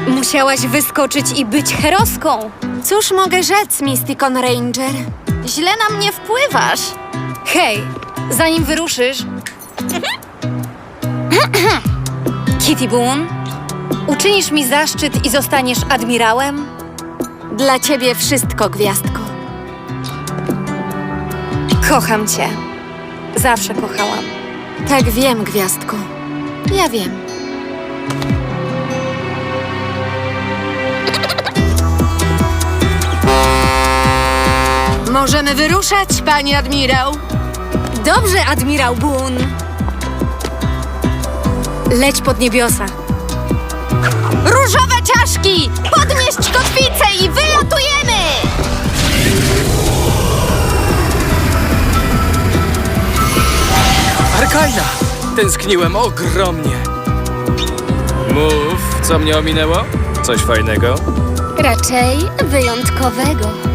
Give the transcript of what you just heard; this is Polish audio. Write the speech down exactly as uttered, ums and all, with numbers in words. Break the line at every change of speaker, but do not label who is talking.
Musiałaś wyskoczyć i być heroską.
Cóż mogę rzec, Mysticon Ranger?
Źle na mnie wpływasz.
Hej, zanim wyruszysz... Kitty Boone, uczynisz mi zaszczyt i zostaniesz admirałem?
Dla ciebie wszystko, gwiazdko.
Kocham cię. Zawsze kochałam.
Tak wiem, gwiazdko. Ja wiem. Możemy wyruszać, pani admirał.
Dobrze, admirał Boone. Leć pod niebiosa.
Różowe czaszki! Podnieść kotwicę i wylatujemy!
Arkaina! Tęskniłem ogromnie. Mów, co mnie ominęło? Coś fajnego?
Raczej wyjątkowego.